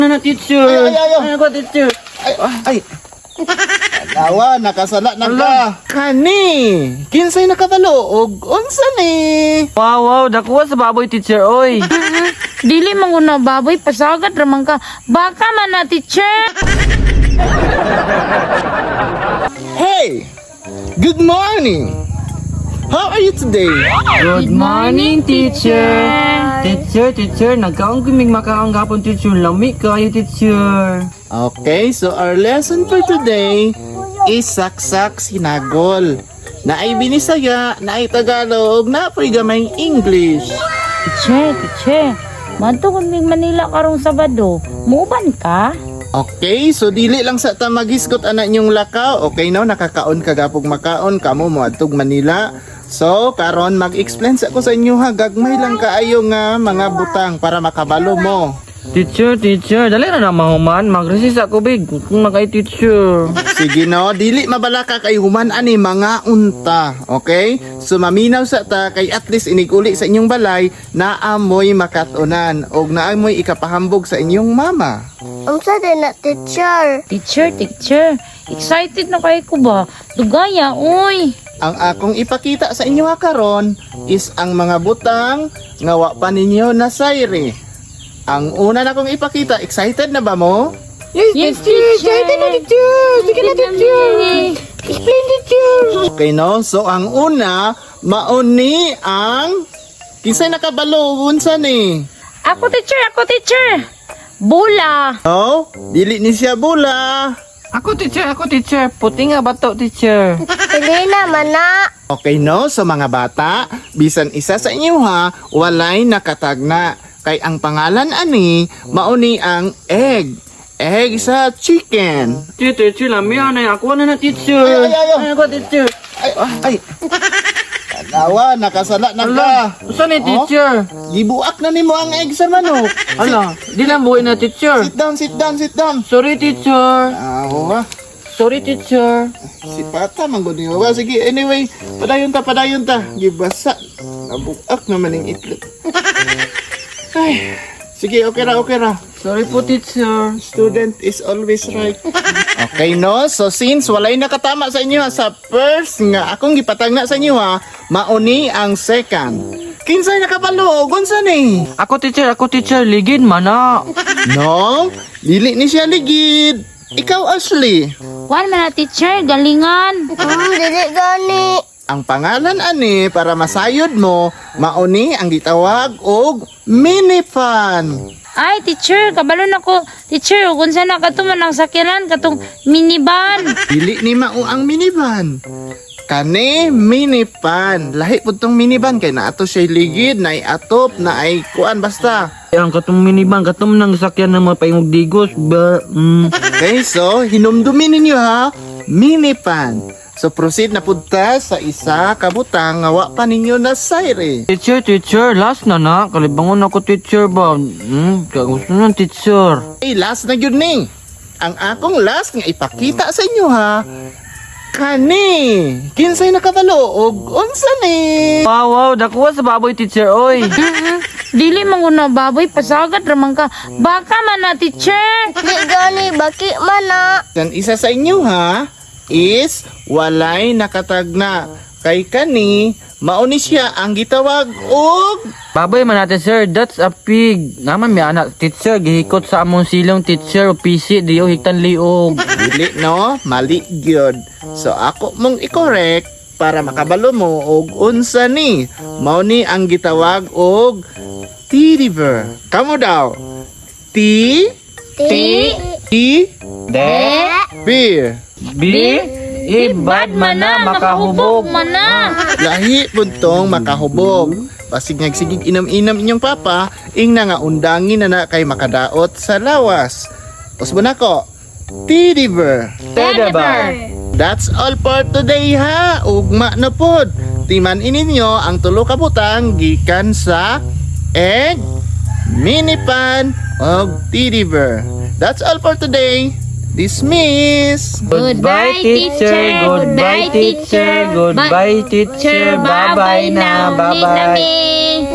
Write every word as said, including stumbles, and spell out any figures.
Ano na, teacher? Ay, ay, ay, ay. Ano ko, teacher? Ay, ay. Alawa, nakasala na ka. Kani, kinsay nakabalo og unsa ni? Wow, wow, dakuha sa baboy, teacher, oy. Dili man guna baboy, pasagat ramang ka. Baka man na, teacher. Hey, good morning. How are you today? Good morning, teacher. Teacher, teacher, nagkaong kuming makaang gapon, teacher. Lami kayo, teacher. Okay, so our lesson for today is saksak sinagol. Na ay Binisaya, na ay Tagalog, na ay gamayng English. Teacher, teacher. Manto kami Manila karong Sabado. Muban ka? Okay, so dili lang sa ta maghisgot anak niyong lakaw. Okay no, nakakaon kagapog makaon kamo moadtog Manila. So, karon mag-explain sa ko sa inyo ha, gagmay lang kaayo nga mga butang para makabalo mo. Teacher, teacher, dali na na mahuman. Mag-resist ako, big. Kung nakay teacher. Sige no, dili mabala ka kay human ani mga unta, okay? So maminaw sa ta kay at least iniguli sa inyong balay na amoy makatunan og naamoy ikapahambog sa inyong mama. Unsa din na teacher? Teacher, teacher. Excited na kay ko ba? Dugaya, uy. Ang akong ipakita sa inyo ha karon is ang mga butang nga wa pa ninyo na sayre. Ang una na kong ipakita, excited na ba mo? Yes, teacher. Excited na, teacher. Sige na, teacher. Explain, teacher. Okay no, so ang una, mauni ang kinsay nakabalo unsa ni? Ako, teacher. Ako, teacher. Bula. No, dili ni siya bula. Ako, teacher, ako, teacher. Puti nga bato, teacher. Dili na mana. Okay no, so mga bata, bisan isa sa inyo ha, walay nakatagna. Kay ang pangalan ani, mauni ang egg. Egg sa chicken. Teacher, teacher, lami na. Ako na na, teacher. Ay, ay, ay, ay. Ano ko, teacher? Ay, ay. Alawa, nakasala na ka. Ala, saan ni teacher? Gibuak na nimo ang egg sa manok. Ala, di lang buhay na, teacher. Sit down, sit down, sit down. Sorry, teacher. Awa, Sorry, teacher. si Pata manggod niyo. Wa, sige, anyway, padayon ta, padayon ta. Gibasa. Nabuak naman ang itlog. Ay, sige, okay ra, okay ra. Sorry po, teacher. Student is always right. Okay no, so since walay nakatama sa inyo ha, sa first nga akong gipatanga sa inyo ha, mauni ang second. Kinsay nakabalo, gunsa ni? Ako, teacher, ako, teacher. Ligid, mana. No, dili ni siya ligid. Ikaw, Ashley. Wan man na, teacher. Galingan. Hmm, dili gani. Ang pangalan ani para masayod mo, mauni ang gitawag og mini fan. Ay, teacher. Kabalon ako. Teacher, kung saan na katuman ang sakyanan, katong minivan. Dili ni mao ang minivan. Kani minivan. Lahi pud tong minivan kay naato siya ligid, na atop, na ay kuan basta. Ang katong minivan, katong nang sakyan ng mga paingog digos. Ba, mm. Okay, so hinumdumin ninyo ha, minivan. So proceed na punta sa isa kabutang nga wa pa ninyo na sayre. Teacher, teacher, last na na. Kalibangon ako, teacher ba? Hmm, kagusto ng teacher. Okay, last na yun ni. Ang akong last nga ipakita sa inyo ha. Kani, kinsay nakabalo og unsa ni? Wow, wow, dakuha sa baboy, teacher, oy. Dili man guna baboy, pasagat ramang ka. Baka man na, teacher. Dili gani baki mana. Ang isa sa inyo ha is walay nakatagna. Kay kani, mauni siya ang gitawag og Baboy man natin, sir. That's a pig. Naman may anak, teacher. Gihikot sa among silong, teacher. O P C, diyo hiktan liog. dili no, mali gyud. So ako mong i-correct para makabalo mo og unsa ni. Mauni ang gitawag og T-river. Kamo daw. T Ti. T De. beer. B. Ibad man na, makahubog. man na. Lahi puntong makahubog. Pasig nagsigig inam-inam inyong papa, ing na nga undangin na na kay makadaot sa lawas. Usbo na ko. T-river. Tedabar. That's all for today ha. Ugma na pod. Timan ininyo ang tulo ka butang gikan sa egg, minipan, og T-river. That's all for today. Dismiss. Goodbye, teacher. Goodbye, teacher. Goodbye, teacher. Bye-bye na. Bye-bye.